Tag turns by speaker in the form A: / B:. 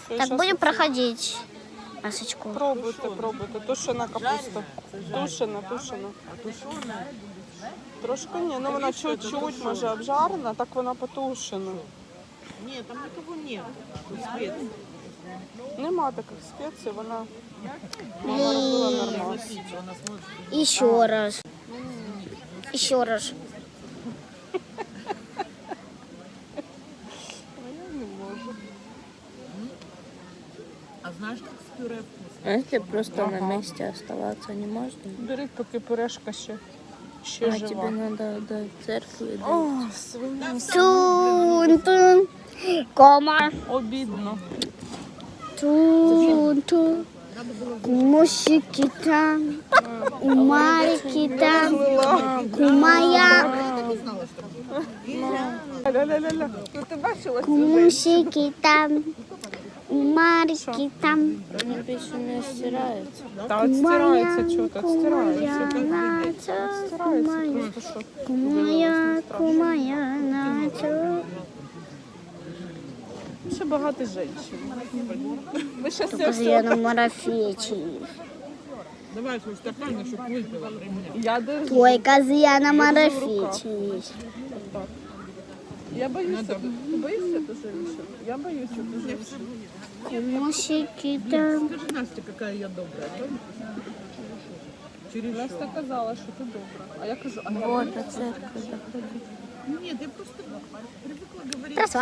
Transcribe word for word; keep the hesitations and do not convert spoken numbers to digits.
A: Так, будем проходить масочку.
B: Пробуйте, пробуйте. Тушена капуста. Тушена, тушена. Трошки ні, ну вона чуть-чуть, може, обжарена, так вона потушена.
C: Ні, там нікого нет. Тут спеції.
B: Нема таких спецій, вона мама робила нормально.
A: Еще раз. Еще раз.
B: Я не можу.
C: А знаєш, як з пюре вкусно?
D: А если просто на месте оставаться не можно?
B: Беріть, поки пюрешка ще, ще
D: А
B: жива.
D: тебе надо до церкви.
B: О, свиня.
A: Тун-тун. Кома.
B: Обідно.
A: Тун-тун. Мусики там. Умарики там. Кумая.
B: Ля-ля-ля-ля. Ну ти бачила цю
A: Мусики там. Умарики там.
D: Они пищу не стираются.
B: Та от стирається, чого так стирається.
A: Кумая,
B: Стирається просто, що
A: кумая, кумая, начо.
B: ще багато жінчин. Ви щас це
A: Покажи, я на марафеті.
C: Давай свій стакан, щоб випила при мені.
B: Я держу.
A: Твой козя на марафеті.
B: Я боюсь, ти боїшся эту женщину? Я боюсь эту женщину.
A: Мусики там.
C: Скажи, Настя, яка я добра. Через
B: Настя казала, що ти добра. А я кажу, а я
D: Вот до церкви доходить.
C: Нет, я просто привыкла говорить.
A: Красава.